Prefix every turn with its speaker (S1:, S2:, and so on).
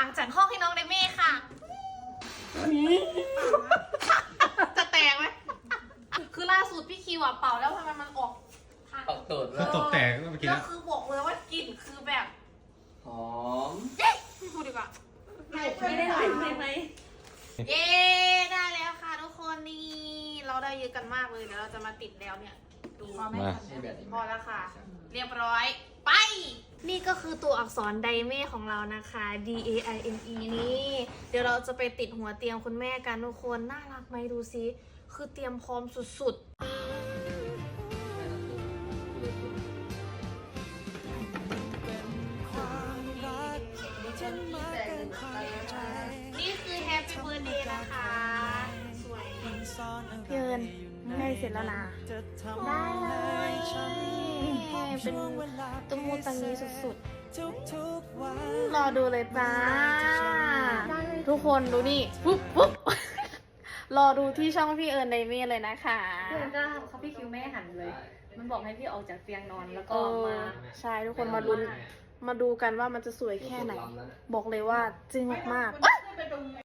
S1: างจัดห้องให้น้องเดเม่ค่ะจะแตกไหมคือล่าสุดพี่คิวเป่าแล้วทำไมมันออก
S2: เป่าตูด
S3: คือตกแตกเมื่อกี้
S1: แล้
S3: แล้ว ว
S1: คือบอกเลยว่ากลิ่นคือแบบ
S2: หอม
S1: ไม่พูดดีกว่า
S4: ไม่ได้ใช่ไหม
S1: เย้ได้แล้วค่ะทุกคนนี่เราได้เยอะกันมากเลยเดี๋ยวเราจะมาติดแล้วเนี่ยดู
S3: มา
S2: ใช่แบบนี้
S1: พอแล้วค่ะ เรียบร้อยไป นี่ก็คือตัวอักษรไดเม่ของเรานะคะ D A I M E นี่เดี๋ยวเราจะไปติดหัวเตียงคุณแม่กันทุกคนน่ารักไหมดูซิคือเตรียมพร้อมสุดๆนี่คือ Happy Birthday นะคะสวยพี่เอิญใกล้เสร็จแล้วนะได้เลยเป็นตุ้มมูตังนี้สุดๆรอดูเลยจ้าทุกคนดูนี่ปุ๊บปุ๊บรอดูที่ช่องพี่เอิญไดเม่เลยนะคะ
S4: เพื่อนก็เขาพี่คิวไม่ให้หันเลย มันบอกให้พี่ออกจากเตียงนอนแล้วก็มา
S1: ใช่ทุกคนมาลุ้นมาดูกันว่ามันจะสวยแค่ไหน บอกเลยว่าจริงมากๆ